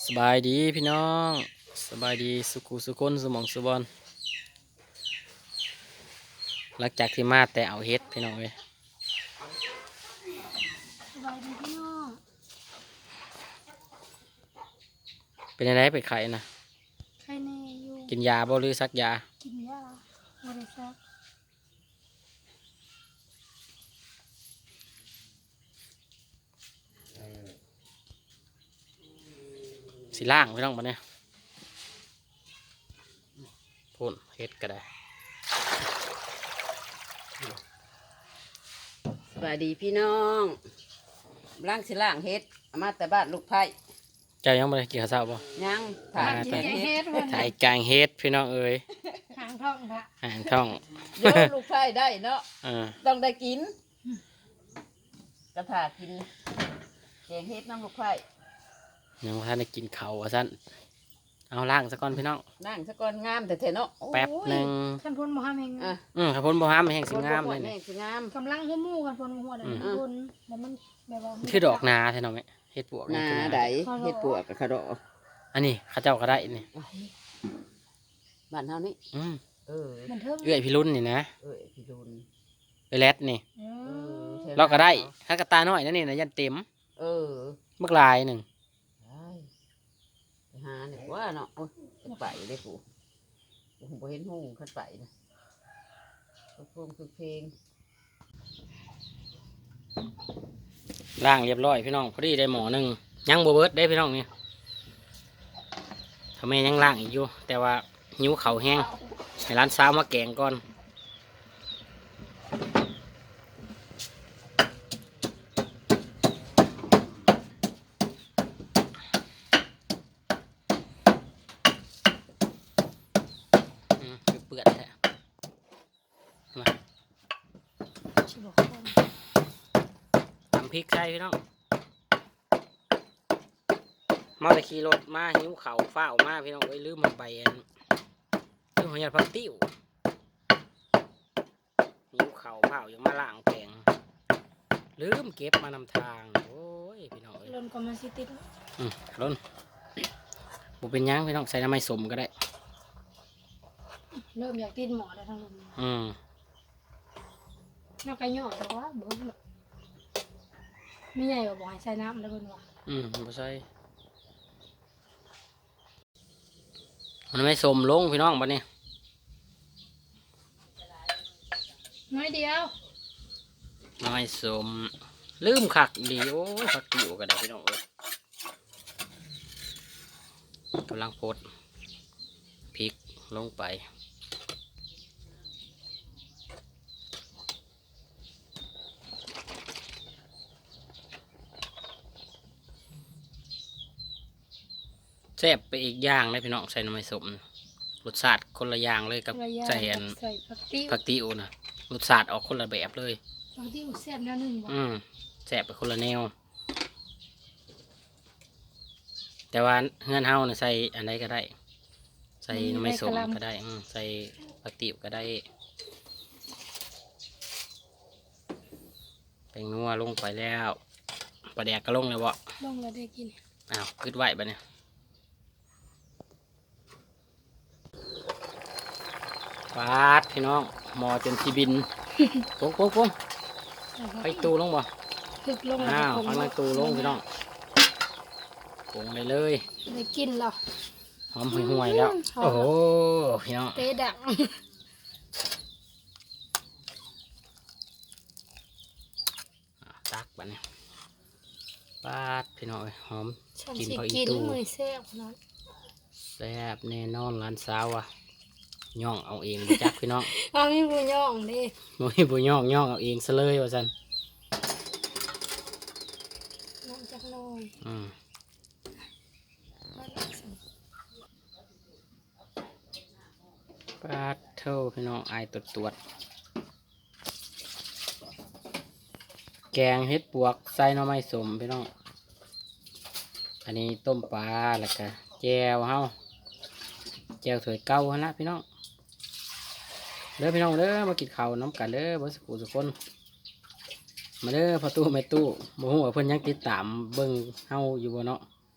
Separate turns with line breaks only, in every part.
สบายดีพี่น้องสบายดีสุขุสุคนสมองสุบอลหลังจากที่มาแต่เอาเฮ็ดพี่น้องเลย
สบายดีพี่น้อง
เป็นยังไงไปไข่นะ
ใครแน่อยู่
กินยาบ่หรือซักยา
กินยาบริษัท
สีล่างพี่น้องมาเนี่ยพ่นเฮ็ดก็ได้
สวัสดีพี่น้องล่างสิล่างเฮ็ดเอามาแต่บ้านลูกไผ่
เจ้ายังไม่ได้กินข้าวเช้าบ่
ยัง
อ่า
ถ่าย
กิน
เฮ็ด
เฮ็ดวัน
ถ่ายกลางเฮ็ดพี่น้องเอ้ย
หางท้องค่ะ
ห่างท้อง
เดี๋ยวลูกไผ่ได้เนาะ
อ่า
ต้องได้กินกระถากินแกงเฮ็ดน้ำลูกไผ่
ยังบ่ทันได้กินข้าวว่าซั่นเอาล่างซะก่อนพี่น้อง
นั่งสะก่อนงามแต่เถอะเนาะโอ้ย
แป๊บหนึง
ท่านพลมหาเมง
อ่ะ
ครับพ่นบ่ห้ามแห้งสิงามเลย
แม่
นี่
สิงาม
กำลังหัวหมู่กันพลหัวเดี๋ยวพลแล้วมันแบบว่า
คือดอกนาแท้เนาะแม่เฮ็ดปวก
หน้า
คือ
ใดเฮ็ดปวกกับขะดอ
อันนี้เขาเจ้าก็ได้นี่
ไว้บ้านเฮานี่
อืม
เออ
มันเทิง
เอื้อยพี่รุ่นนี่นะ
พี่ดุล
เอื้อยแรดนี่
เอ
เอ
อ
อ
เราก็ได้ถ้ากระตาน้อยนั่นนี่นะยันเต็ม
เออ
เมื่อลายหนึ่ง
ไปหาเนี่ยว่าเนาะโอ้ยจะไปได้กูผมบ่เห็นหูขึ้นไปนะเพลงคือเพลง
ล่างเรียบร้อยพี่น้องพอดีได้หมอหนึ่งยังโบเบิร์ดได้พี่น้องนี่ทำไมยังล่างอีกอยู่แต่ว่าหิวเข่าวแห้งให้ร้านสาวมาแกงก่อนคือเปื่อนแท้มา
ชิบอกคน
ทำพริกใส่พี่น้องมาแต่ขี่รถมาหิวเข่าวฟ้าวมาพี่น้องไว้ยลืมมันไปอันลืมหัวหยาดผักติ้วหิวเข่าวฟ้าวยังมาล่างแกงลืมเก็บมานำทางโอ้ยพี่น้องเอ้ย
ลนก็มาสิติด
ล้นบุเป็นหยังพี่น้องใส่น้ำไม่สมก็ได้
เริ่มอยากติดหมอแล้วทั้งลม
อืม
นอกไก่หยอดแต่ว่าเบิ้งไม่ใหญ่กว่าบ่อยใส่น้ำแล้วเบิ้งว่า
บ่ใส่มันไม่สมลงพี่น้องบัดนี้
น้อยเดียว
น้ำไม่สมลืมขักดีโอ้ยผักติ๋วก็ได้พี่น้องเอ้ยกำลังโพดพริกลงไปแซ่บไปอีกอย่างเลยพี่น้องใส่น้ำไม่สมรสชาติคนละอย่างเลยกับ
ระยะ
ใส่อัน
ใส่ผักติ้ว
ผักติ๋วนะรสชาติออกคนละแบบเลย
ผักติ้วแซ่บแนวหนึ่งบ่
แสบไปคนละแนว แต่ว่าเฮือนเฮาเนี่ยใส่อันใดก็ได้ ใส่น้ำไม่สมก็ได้ใส่ผักติ๋วก็ได้แป้งนัวลงไปแล้วปลาแดกก็ลงเลยบ่
ลงแล้วได้กิน
อ้าวคืดไหวปะเนี่ยปาดพี่น้องหมอจนทีบิน ปุ๊บปุ๊บปุ๊บไปตู้ลงบ่
ถึกลง
อ้าว
คง
ฟังในตู้ลงพี่น้องปรุงไปเลย
ได้กินแล้ว
หอมห่วยๆแล้ว
หอม
โอ้โหพี่น้อง
เตะดัง
ตักปะเนี่ยปาดพี่น้องเอ้ยหอม
ฉัน
กิน
สิ
พออี
กิน
ตู้
มือแซ่บนะ
แซ่บแน่นอนร้านสาวอ่ะย่องเอาเองบ่จักพี่น้อง
เอามีบุญย่องดิ
โอ้ยบ่ย่องเอาเองซะเลยว่าซั่น
น้ำจักหน่อย
อืมปาดเท่าพี่น้องอายตรวจแกงเฮ็ดปวกใส่หน่อไม้สมพี่น้องอันนี้ต้มปลาแล้วก็แจ่วเฮาแจ่วถ้วยเก่าหั่นละพี่น้องเด้อพี่น้องเด้อมากินข้าวน้ำกันเด้อบ่สักผู้สักคนมาเด้อพ่อตู้แม่ตู้บ่ฮู้ว่าเพิ่นยังติดตามเบิ่งเฮาอยู่บ่เนาะ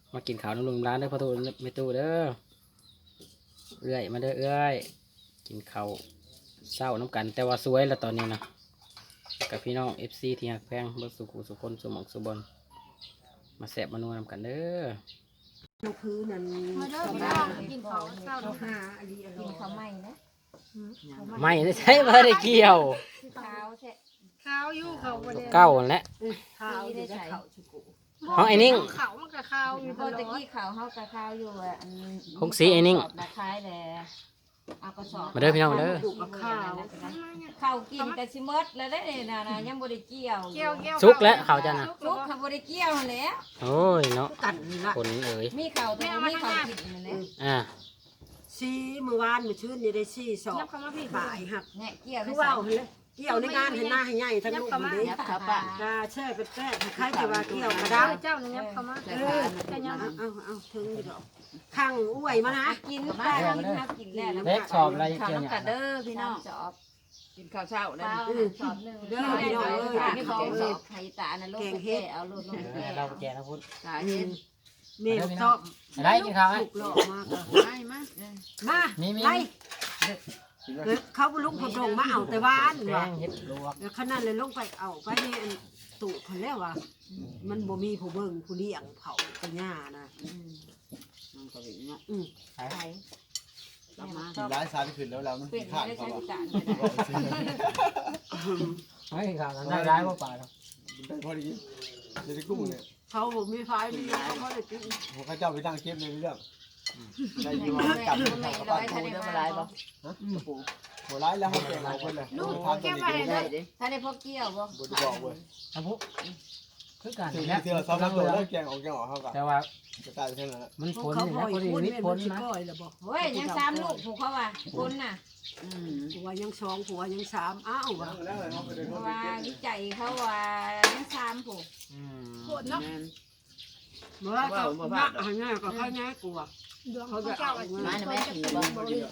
มากินข้าวน้ำลุงร้านเด้อพ่อตูไม่ตู้เด้อเอื้อยมาเด้อเอื้อยกินข้าวเศร้าน้ำกัน แต่ว่าสวยแล้วตอนนี้นะกับพี่น้อง FC ที่หักแพงเบิกสุขุสุคนสุหมองสุบนมาแสบมานัวน้ำกันเด้อ
ลูกพื้นนั่น
มาเด้อพี่น้องกินข้าวเช้า
เขา
เนาะ
หาอันนี้อร่
กิน
อย
ข้าวไหม้นะ
ไม่ได้ใช่เ่ได้เกี่ยว
ข้าวแช่
ข้าวอยู่เขาบ่ได้
เก้านั่นแหละ
ข้าวได้ใช้ข้าวชุกุ
เอาไอ้นิ่ง
เขามันก็ข้าวอยู่
พอตะกี้ข้าวเฮากับข้าวอยู่อ่ะอัน
พงศรีไอ้นิ่ง
กระสอบละคล้ายแหละเอากระสอบ
มาเด้อพี่น้องเด้อ
ดูกับข้าว
ข้าวกินกันสิหมดแล้วได้น่ะนะยังบ่ได้เกี่ยว
เกี่ยวเกี่ยว
สุกแล้วเขาจะนะ
ลูกเขาบ่ได้เกี่ยวนั่นแหละ
โอ้ยเนาะ
กันนี่ละ
คนเอ๋ย
มีข้าวแต่บ่มีข้าวกินนั่นแหละ
อ่า
ซีเมื่อวานเมื่อชื่นนี่ได้ซีสอบ
ยับเข้ามาพี่
บ่ายหัก
เนี่ยเกี่ยว
คือ
ได้
ว่า
สาม
เลยเกี่ยวในงานให้หน้าให้ใหญ่ทั้งลูกมัน
ยับขาปะ
กาแช่เป็นแป้งคล้ายๆแต่ว่าเกี่ยวกระ
เจ้า
ด้าง
เจ้านี่ยับเข้ามา
แต่
จะยัง
เอาถึงอยู่ดอกข้างอ้วยมานะ
กินป้ากินข้าวกินแล้ว
เล็กสอบอะไร
ข้าว
เกี่ยวเนี่ย
น้ำกัดเด้อพี่น้องสอบ
กินข้าวเช้าแล้ว
ข้าวสอบนึงมีของสอบไข่ตานะลูกแก่เอาลูกลงแก่
เราแกนะพุทธ
สาเห็น
เมฆชอบ
อะไรกินข้าวไหม
ถูกหลอกมาก
ไม่มา
มา
มี
ไล่เขาลุกพดงมาเอาแต่ว่าน
แก
ว่ะ
งเห็ดลวก
แล้วขนาดเลยลงไปเอาไปในตุคนแล้วว่ะมันบ่มีผู้เบิ่งผู้เลี้ยงเผาปัญญานะ
มันก็เป็นเนาะ
ไข่
กลับมา
ร้ายสารขึ้นแล้วเรามัน
เป็น
ขาด
ได้
เขา
ใช้
บอก
จาน
ไม่ข้าวได้ร้ายกว่าป่าหรอก
ได้พอดีเดี๋ยวจะกุ้งเนี่ย
เขาบ่มีไฟมีเขาเลยกิน
ผมข้าเจ้าไปตั้งเก็บในเรื่องได้ยิน
ไม่
ว่ากัด
ไม่ร้อยถ้าได้มาร้อยบ่
ฮะปูหัวร้ายแล้วเขาแก่งเอาคนเลยทานตัวนี้
ได้ดิ
ถ้าได้พวกเกี่ยวบ่
บุญบอกเว้ย
ครับพุคือกัน
สิ่ง
แล้
ที่เราซ้อมตัวได้แกงออกเขากับ
แต่ว่า
จะตายเท่านั้น
มันผล
เขา
นี่
พ่
นะ
อย
พอดี
พูด
นิด
เป็น
ผ
มั
ล
นสิ
นะ
ก้อยแล้วบ่
เฮ้ยยังซ้ำลูกผูกเขาว่าคนน่ะ
ผัวยัง2ผัวยัง3อ้าวว่ะ
เพราะว่าวิจัยเขาว่ายังซ้ำผูก
ปวดเนาะ
เมื่อก็มาหันหน้าก็ค่อยง่ายกว่า
ดวงเขาเจ้าอ่ะ
มาหน่อยแม่ถือบ่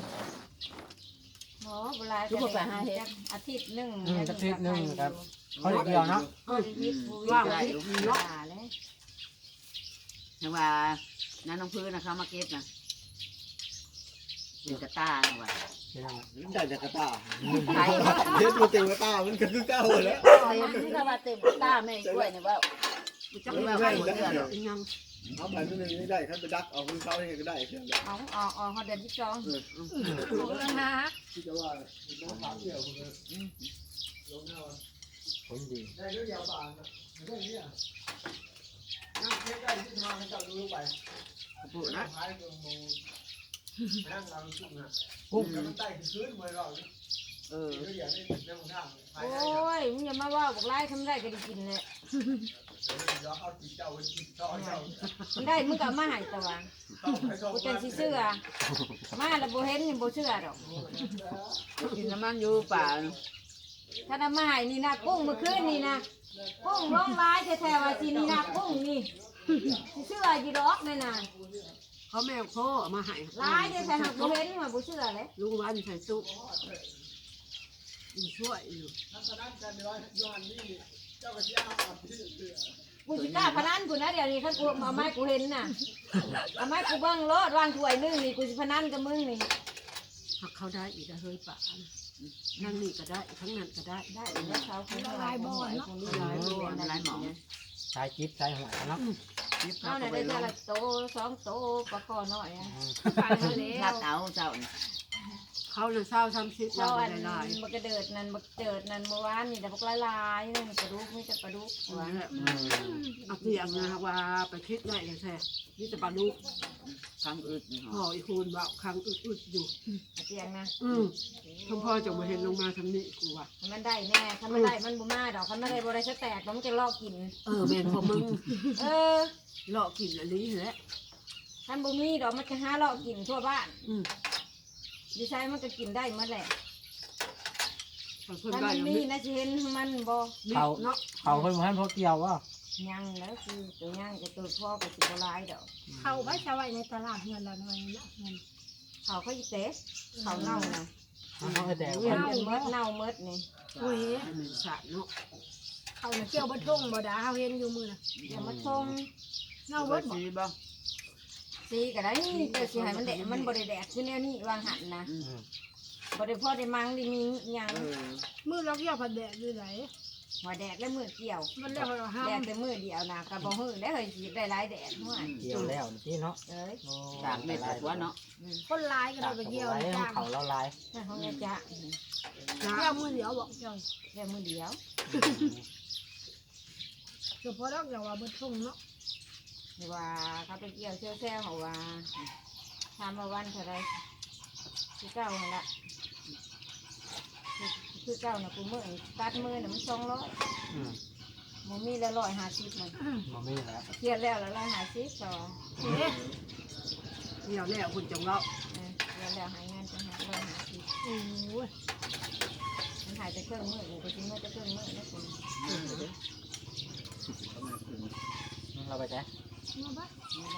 โอ้เวลาอาทิตย์นึง
เขาเดียวเนาะ
อาทิตย์ว่าได้เนาะเลย
แต่ว่าน้าน้องพื้นนะเขามาเก็บนะเป็นกระต้าว่ะ
ได้จากกระตา
ไทย
เฮ็ดมาเต็มกระตามันก็คือเก้าแล้ว
นี่ก็ว่าเต็มตาแม่กล้วยเนี่ยว่า
จะไม่ได้ยัง
เอาไปตัวนึงไม่ได้ขั้นไปดักเอาคือเขาให้ก็ได้เพียงแต่
เอาเขาเดินที่จอง
ปวดนะ
ที่จะว่าน้องสาวเที่ยวคุณลงหน้า
ผลดี
ได้ด้วยยาวบางนะเรื่องนี้นั่งเทียบได้ที่มาให้เจ้าดูไป
ปูนะ
ท้ายตรงมงนั่งเราชุ่มนะกุ้งมันใต้ขึ้นมาเรา
เออ
เดี๋ยวอย่าได้เรื่องข้าง
โอ้ยมึงอย่ามาว่าบอกไล่ทำได้ก็ได้กินเลย
เดี๋ยวเอาจิตเจ้าไว้จิตต่อเจ้า
มันได้มึงก็มาให้ตัว
ต้องให้เขา
กูจะสิเชื่อมาแล้วบ่เห็นยังบ่เชื่อดอก
กินน้ำมันอยู่ป่า
ถ้าน้ำมาให้นี่นะกุ้งเมื่อคืนนี่นะกุ้งร้องร้ายแท้ๆว่าสินี่นะกุ้งนี่สิเชื่ออยู่ดอกแม่น่ะ
เขาแมวพ่อมาให้
ร้ายแท้ๆหักบ่เห็นว่าบ่เชื่อเลย
ลุงวันใส่ตู้ช่วยอยู่
กูสิกล้าพนันกูนะเดี๋ยวนี้คันกูเอาไม้กูเห็นน่ะเอาไม้กูเบิ่งรถวางถ้วยนึงนี่กูสิพนันกับมึงนี่
หักเขาได้อีกเฮ้ยป่านั่งนี่ก็ได้ทั้งนั้นก็ได้
ได้อีกแล้วเขาคนลายบ่อนเนาะ
หลายหมอง
สายจิ๊บสายหัวเนาะ
เอาน่ะได้แต่ละโตสองโตปลาคอน้อยอ่ะ
ไปแล้ว
ลาดเตาเจ้า
เขาเลยเศร้าทำชิด
เรา
เรา
อัน
ได้ลาย
บักกระเดิดนั่นบักเจิดนั่นเมื่อวานนี่แต่บักลายๆนั่นกระดูกไม่จะกระดูกหัว
เอาเพียงนะว่าไปคิดได้เลยแท้นี่จะปลาลูก
คำอึดนี่ห
พ่ออีคูนว่าครั้งอึดอยู่
เตียงนะ
ทั้งพ่อจะมาเห็นลงมาทำนี่กูว่า
มันได้แน่ถ้ามันได้มันบ่มาดอกถ้ามันได้บ่ได้จะแตกมันจะลอกกิน
แม่นพอมึง
เออ
เลาะกินอันนี้แหละ
ท่านบ่มีดอกมันจะหาลอกกินทั่วบ้านดิฉันมันก็กินได้หมดแหละ
เพิ่น
ถ้า
ได้
มัน
ยัง
มี
มี
นะสิเห็นมันบ่
เขา
เนาะ
เขาเพิ่นบ่ทันพอเกี่ยวว่า
ยังแล้วคือตัวยังจะตัวพ่อก็สิบ่หลายดอก
เขาไว้จะไว้ในตลาดเงินละหน่อยนะเงิน
เขาอีเตะเขาเน่านะ
เขาแต่
เวียนจนเมดเน่าเมดนี่
อุ้ย
ให้มันสะเนาะ
เขาเกี่ยวบนทงบ่ดาเขาเห็นอยู่มือนะ
อย่ามาชง
เงา
เอา
เบิ
ไว้
ดบ่
ซีบ้าง
สีก็ได้เจ้าสิให้มันแดดมันบ่ได้แดดคือแนวนี้วางหันนะ
อืม
บ่ได้พอได้มังได้มีหยัง
มือเราเกี่ยวผัดแดดอยู่ไหน
หัวแดดและมือเกี่ยว
มันเรียกว่าเราห้า
แด
ม
ดแต่มือเดียวนะก็บ่ฮื้อได้เฮ้ยสิได้หลายแดดหัว
เกี่ยวแล้วพี่เนาะ
เอ้ย
สามเม็ดหัวเนาะ
คนร้ายก็เราไปเกี่ยว
ไว้
จ้าง
เขาแล้วลาย
นั่นของยายจ๊ะ
เกี่ยวมือเดียวบอกเจ้า
แค่มือเดียว
เฉพาะดอกอย่างว่าบนทุ่งเนาะ
หรือว่าเขาไปเกี่ยวเชี่ยวแซ่เขาว่าทำมาวันเท่าไรคือเก้าหั่นละคือเก้าน่ะกูมือตัดมือน่ะมัน200
อืม
มันมีละ150มัน
บ่มีแล้ว
เครียดแล้วละ150ต่อ
เอ๊ะ
เดี๋ยวแล้วคุณจงเรา
เครียดแล้วหายงานจังหา150
โอ้ย
มันหายไปเครื่องมือกูไปทิ้งมือจะเครื่องมือแล้วกู
เราไปจ้ะ
มาบ้า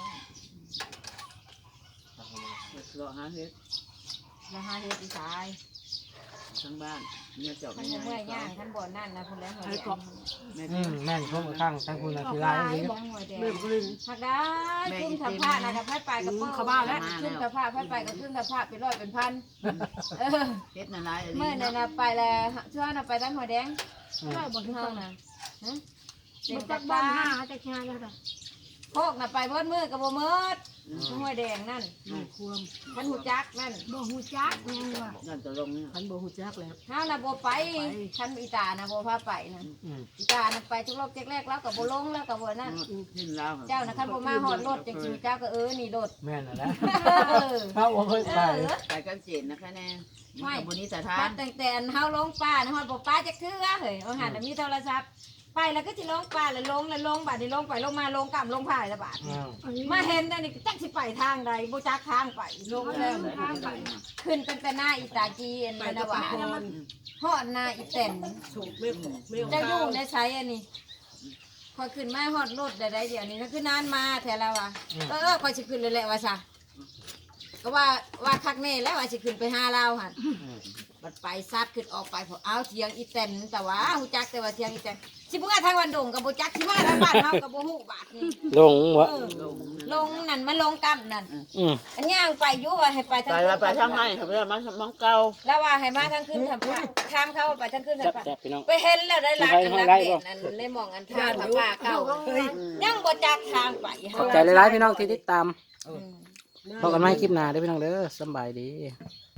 เลาะหาเฮ็ด
แล้วหาเฮ็ดอีสาย
ทั้งบ้านเมื่อจบ
ท่านบ่เมื่อยย่างท่านบ่นั่นนะคนแล้วหัวแดง
แม่
แม่นพวกข้างทั้งคุณน่ะคือลายนี้
บ่หัวแดง
เริ่มกลึง
หักได้ขึ้นสะพานนะกับไปกับเปิ้ลเข้าบ้านแล้วขึ้นสะพานไปกับขึ้นสะพานเป็นร้อยเป็นพันเออ
เฮ็ดน่ะหลาย
เมื่อนั่นน่ะไปแล้วช่วยน่ะไปตั้งหัวแดง
ได้บน
เฮา
ทุ่ง
น่ะฮะ
มั
เด็
น
ก
จั
จั
ก
ก
บ้า
บ้าน น
ห้าจะแค่ได้แต่
โคกน่ะไปเบิดมือกับบ่เมิดหัวแดงนั่น
ไม่ควม
มันหูจักนั่น
บ่หูจักยังว่า
นั่นจะลงเนี่ย
คันบ่ฮู้จักแล้ว
เฮาน่ะบ่ไปคันอีตาน่ะบ่พาไปนั่น
อืม
อีตาน่ะไปทุกรอบแรกแล้วก็บ่ลงแล้วก็บ่นั่น
ขึ้นแล้ว
เจ้าน่ะคันบ่มาฮอดรถจังสิเจ้าก็นี่รถ
แม่นแล้ว
เออ
เขาบ่เคยไป
ไปกันเจนนะคะแน่มันบุญนิสถา
บ้าน นตั้งแต่เฮาลงป่านะฮอดบ่ป่าจักเทื่อเฮ้ยเอาหันน่ะมีโทรศัพท์ไปแล้วก็สิลงป่าแล้วลงบาดนี้ลงไปลงมาลงกลับลงผ่ายละบาด
อืม
มาเห็นอันนี้จักสิไปทางใดบ่จักทางไปลงแล้วขึ้นตั้งแต่หน้าอีตาจีน
ไป
น
ตะ
วา
พาน
ฮอดหน้าอีแตน
สูบไม่
เจ้าอยู่ในไสอันนี้พอขึ้นมาฮอดรถได้เดี๋ยวนี้คือนานมาแท้แล้วว่ะค่อยสิขึ้นเลยแหละว่าซะก็ว่าคักแน่แล้วว่าสิขึ้นไปหาเราหั่น บัดไปซัดขึ้นออกไปพอเอาเทียงอีแตนแต่ว่าหูจักแต่ว่าเทียงอีแตนสิเมื่อทางวันดงกับโบจักสิมาทางบ้านเฮากับโบหูบาทนี่
ลงวะ
เออลงนั่นมันลงกันนั่น
อืม
อันย่างไปอยู่ว่าให้ไปทาง
ไปทางไหนครับเพื่อนมันมองเก่า
แล้วว่าให้มาทางขึ้นทางพระทางเข้าไปทางขึ้นทางพระ
แซ่บๆพี่น้อง
ไปเห็นแล้วได้รักกันรักเด่นนั่นเลยมองอันทางพระป่าเก่าเฮ้ยยังโบจักทางไป
ขอบใจหลายๆพี่น้องที่ติดตามพบกันใหม่คลิปหน้าเด้อพี่น้องเด้อสำบายดี